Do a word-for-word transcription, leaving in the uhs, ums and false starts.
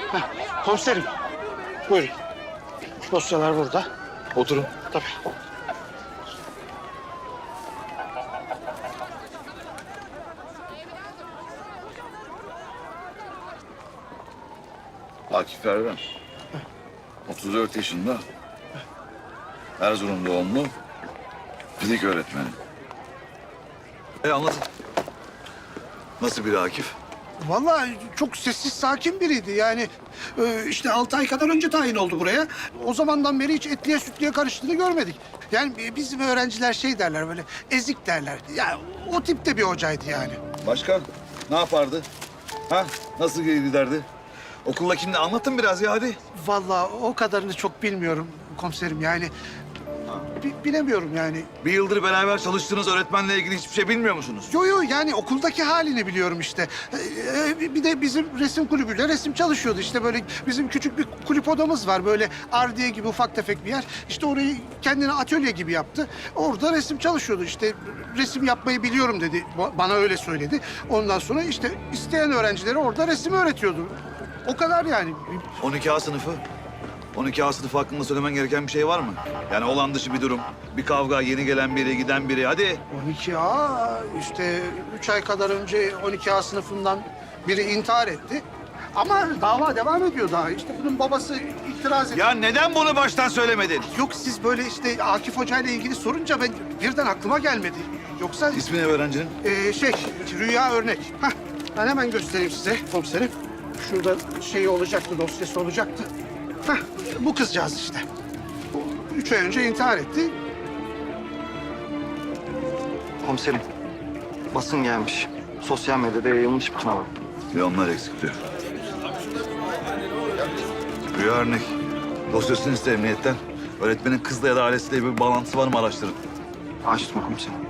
Heh, komiserim. Buyurun. Dosyalar burada. Oturun. Tabii. Akif Erden. otuz dört yaşında. Erzurum doğumlu. Fizik öğretmeni. E anlatın. Nasıl biri Akif? Vallahi çok sessiz, sakin biriydi. Yani e, işte altı ay kadar önce tayin oldu buraya. O zamandan beri hiç etliye sütlüye karıştığını görmedik. Yani bizim öğrenciler şey derler, böyle ezik derler. Yani o tipte bir hocaydı yani. Başka? Ne yapardı? Ha? Nasıl giderdi? Okulla kimdi? Anlatın biraz ya hadi. Vallahi o kadarını çok bilmiyorum komiserim. Yani bi- bilemiyorum yani. Bir yıldır beraber çalıştığınız öğretmenle ilgili hiçbir şey bilmiyor musunuz? Yo yo, yani okuldaki halini biliyorum işte. Ee, bir de bizim resim kulübüyle resim çalışıyordu. İşte böyle bizim küçük bir kulüp odamız var. Böyle ardiye gibi ufak tefek bir yer. İşte orayı kendine atölye gibi yaptı. Orada resim çalışıyordu. İşte resim yapmayı biliyorum dedi. Ba- Bana öyle söyledi. Ondan sonra işte isteyen öğrencilere orada resim öğretiyordu. O kadar yani. on iki A sınıfı. on iki A sınıfı hakkında söylemen gereken bir şey var mı? Yani olan dışı bir durum. Bir kavga, yeni gelen biri, giden biri. Hadi. on iki A işte üç ay kadar önce on iki A sınıfından biri intihar etti. Ama dava devam ediyor daha. İşte bunun babası itiraz etti. Ya neden bunu baştan söylemedin? Yok, siz böyle işte Akif Hoca ile ilgili sorunca ben birden aklıma gelmedi. Yoksa İsmi ne öğrencinin? e, şey Rüya Örnek. Hah, ben hemen göstereyim size komiserim. Şurada şeyi olacaktı, dosyası olacaktı. Hah, bu kızcağız işte. Bu üç ay önce intihar etti. Komiserim, basın gelmiş. Sosyal medyada yayılmış bir kanal. Ve onlar eksik diyor. Rüya örnek. Dosyasını iste emniyetten. Öğretmenin kızla ya da ailesiyle bir bağlantısı var mı araştırın. Açtım komiserim.